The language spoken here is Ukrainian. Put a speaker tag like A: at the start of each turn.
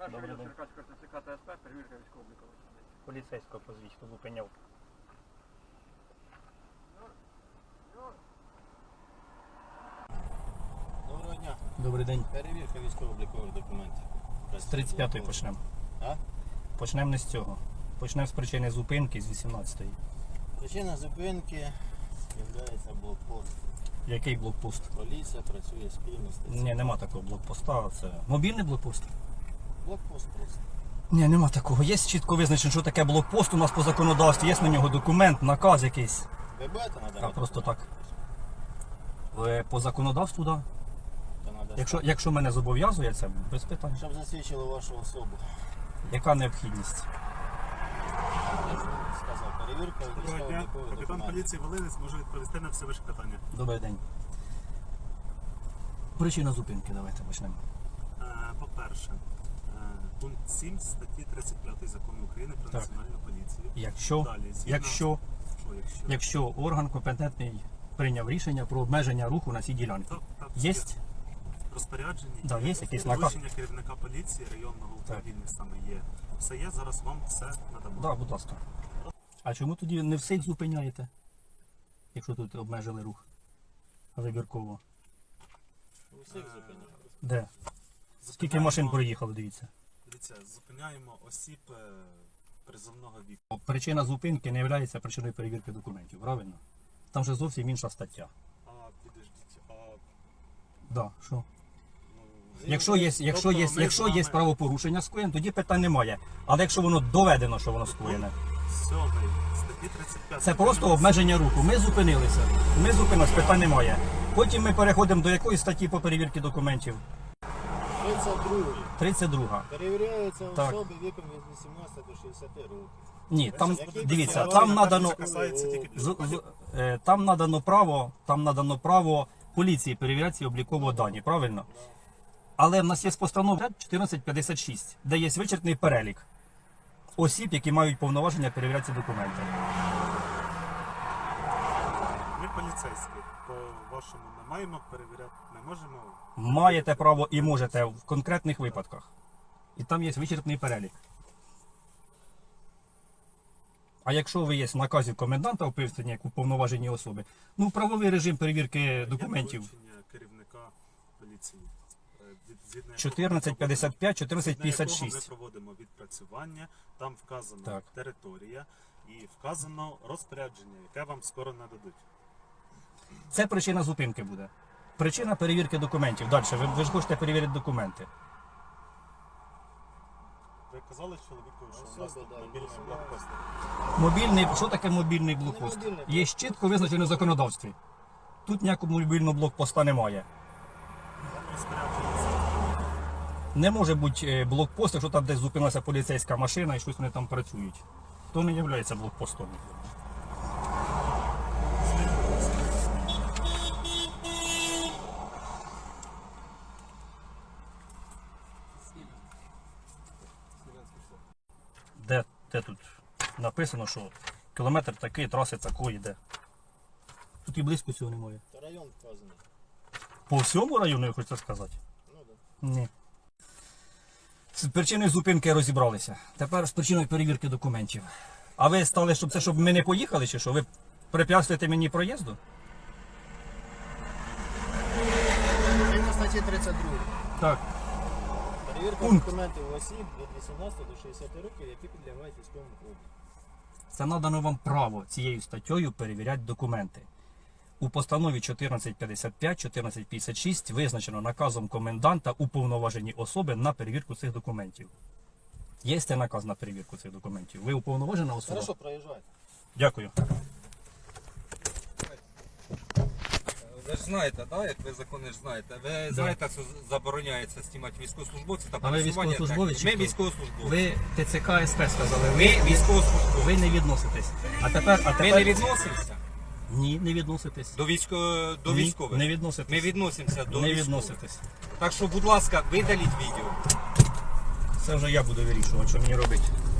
A: Добрий день.
B: Черкаського ТЦК та СП, перевірка військово-облікових.
A: Поліцейського позвіть, хто зупиняв.
C: Доброго дня.
A: Добрий день.
C: Перевірка військово-облікових документів.
A: З 35-ї почнемо.
C: А?
A: Почнемо не з цього. Почнемо з причини зупинки з 18-ї.
C: Причина зупинки є блокпост.
A: Який блокпост?
C: Поліція працює спільно з ТЦК.
A: Ні, нема такого блокпоста. Це мобільний блокпост?
C: Блокпост просто.
A: Ні, нема такого. Є чітко визначено, що таке блокпост у нас по законодавстві. Є на нього документ, наказ якийсь.
C: Ви будете надавати?
A: А просто так. По законодавству, так.
C: Да.
A: Якщо мене зобов'язує, це без питань.
C: Щоб засвідчили вашу особу.
A: Яка необхідність?
C: Я сказав, перевірка
D: Доброго дня.
C: військово-облікових
D: Капітан
C: документів.
D: поліції Волинець може відповісти на всі ваші питання.
A: Добрий день. Причина зупинки, давайте почнемо.
D: По-перше, пункт 7 статті 35 Закону України про
A: Так.
D: національну поліцію.
A: Якщо,
D: Далі, згідно-
A: якщо
D: Якщо?
A: орган компетентний прийняв рішення про обмеження руху на цій ділянці.
D: Так,
A: Є?
D: розпорядження,
A: Да, є якийсь наказ?
D: доручення керівника поліції, районного управління саме є. Все є, зараз вам все надамо.
A: Так, будь ласка. А чому тоді не всіх зупиняєте? Якщо тут обмежили рух вибірково.
C: Усіх зупиняють.
A: Де? Скільки
D: Зупиняємо-
A: машин проїхало, дивіться.
D: Дивіться, зупиняємо осіб призовного віку.
A: Причина зупинки не є причиною перевірки документів, правильно? Там же зовсім інша стаття.
D: А, підождіть,
A: Да, що?
D: ну,
A: Якщо є правопорушення скоєне, тоді питань немає. Але якщо воно доведено, що воно скоєне,
D: 7 статті 35.
A: це просто обмеження руху. Ми зупинилися. Ми зупинилися, питань немає. Потім ми переходимо до якої статті по перевірці документів?
C: 32.
A: 32.
C: Перевіряються
A: Так.
C: особи віком від 18 до 60 років.
A: Ні, там
C: Який
A: дивіться,
C: підстави
A: там надано
D: Це касається тільки
A: там надано право поліції перевіряти ці облікові дані, правильно? Але в нас є постанова 1456, де є вичерпний перелік осіб, які мають повноваження перевіряти ці документи.
D: Ми поліцейські, по-вашому не маємо перевіряти, не можемо.
A: Маєте право і можете в конкретних випадках. І там є вичерпний перелік. А якщо ви є в наказі коменданта описані як уповноважені особи, ну правовий режим перевірки документів.
D: Є доручення керівника поліції. Згідно
A: 1455,
D: якого
A: 1456.
D: ми проводимо відпрацювання, там вказана
A: Так.
D: територія і вказано розпорядження, яке вам скоро нададуть.
A: Це причина зупинки буде. Причина перевірки документів. Далі, ви ж хочете перевірити документи.
D: Ви казали чоловіку, що у нас
C: Особи,
D: тут
C: да,
D: мобільний
C: особи.
D: блокпост.
A: Що таке мобільний блокпост?
C: мобільний
A: Є чітко визначено в законодавстві. Тут ніякого мобільного блокпоста немає.
D: Там розпорядження.
A: Не може бути блокпост, якщо там десь зупинилася поліцейська машина і щось вони там працюють. То не є блокпостом. Де тут написано, що кілометр такий, траси такої йде. Тут і близько цього немає.
C: Та район вказаний.
A: По всьому району, я хочу сказати?
C: Ну, да.
A: Ні. З причиною зупинки розібралися. Тепер з причиною перевірки документів. А ви стали, щоб ми не поїхали, чи що? Ви препятствуєте мені проїзду?
C: Згідно статті 32.
A: Так.
C: Перевірка
A: Пункт.
C: документів осіб від 18 до 60 років, які підлягають військовому обліку.
A: Це надано вам право цією статтею перевіряти документи. У постанові 1455, 1456 визначено наказом коменданта уповноважені особи на перевірку цих документів. Є це наказ на перевірку цих документів? Ви уповноважена особа?
C: Хорошо, проїжджайте.
A: Дякую.
E: Ви ж знаєте, да, як ви закони ж знаєте. Ви знаєте, що забороняється знімати військовослужбовців та
A: А ви
E: пересування
A: військовослужбовець
E: техніки.
A: чи
E: Ми
A: хто?
E: військовослужбовці.
A: Ви ТЦК СП сказали.
E: Ми військовослужбовці.
A: Ви не відноситесь. А тепер...
E: Ми не відносимося
A: Ні, не відноситесь.
E: до
A: Ні,
E: військових.
A: не відноситесь.
E: Ми відносимося до
A: Не
E: військових.
A: відноситесь.
E: Так що, будь ласка, видаліть відео.
A: Це вже я буду вирішувати, що мені робити.